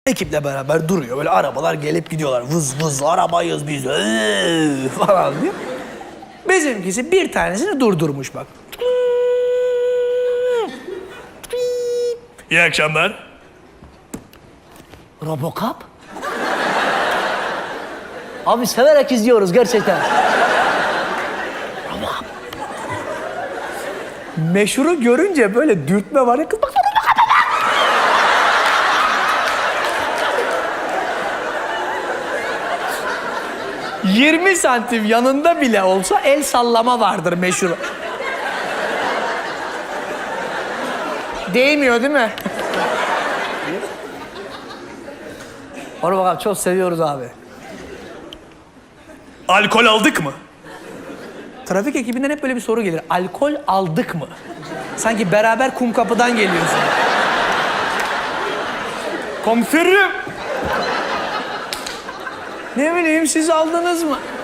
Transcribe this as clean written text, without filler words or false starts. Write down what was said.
Ekiple beraber duruyor. Böyle arabalar gelip gidiyorlar. Vız vız arabayız biz falan diyor. Bizimkisi bir tanesini durdurmuş bak. İyi akşamlar. Robocop? Abi severek izliyoruz gerçekten. Meşhuru görünce böyle dürtme var ya, kız bak. 20 santim yanında bile olsa el sallama vardır meşhur. Değmiyor değil mi? Robocop çok seviyoruz abi. Alkol aldık mı? Trafik ekibinden hep böyle bir soru gelir. Alkol aldık mı? Sanki beraber Kumkapı'dan geliyorsun. Komiserim. Ne bileyim, siz aldınız mı?